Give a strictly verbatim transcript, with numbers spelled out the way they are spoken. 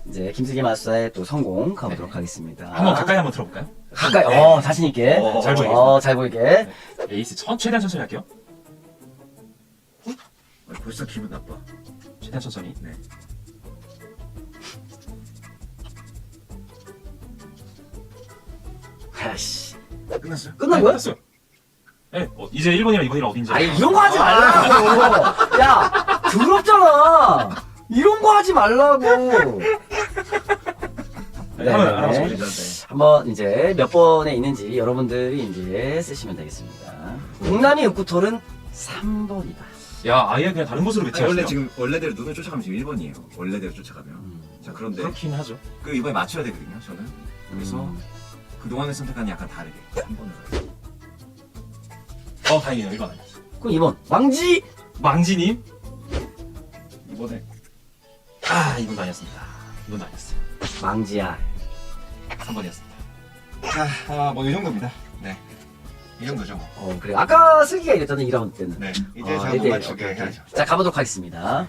이제 김승기 마술사의 또 성공 가보도록 네. 하겠습니다. 한번 가까이 한번 들어볼까요? 가까이. 네. 어, 자신 있게. 어, 잘 보이게. 어, 잘 보이게. 네. 에이스 천, 최대한 천천히 할게요. 어, 벌써 기분 나빠. 최대한 천천히. 네. 아이씨. 끝났어요? 끝난 거야? 됐어요. 네, 어, 이제 일 번이랑 이 번이랑 어딘지. 아니, 이런 거 하지 말라고. 야, 더럽잖아. 이런 거 하지 말라고. 네, 한번 네. 알아보시죠. 네. 한번 이제 몇 번에 있는지 여러분들이 이제 쓰시면 되겠습니다. 동남이 읍구톨은 삼 번이다. 야, 아예 그냥 다른 곳으로 아니, 배치하시네요. 원래 지금 원래대로 눈을 쫓아가면 지금 일 번이에요. 원래대로 쫓아가면. 음. 자 그런데 그렇긴 하죠. 그 이번에 맞춰야 되거든요. 저는. 그래서 음. 그 동안의 선택과는 약간 다르게 삼 번을 가요. 어, 다행이네요. 일 번 아니었어요. 그럼 이 번. 망지! 망지님. 이번에. 아, 이 번도 아니었습니다. 이 번도 아니었어요. 망지야. 삼 번이었습니다. 자, 아, 뭐 이 정도입니다. 네. 이 정도죠. 뭐. 어, 그래. 아까 슬기가 이랬잖아, 이 라운드 때는. 네. 이제 어, 저 일 대 일. 못 맞추게 오케이, 오케이. 해야죠. 자, 가보도록 하겠습니다.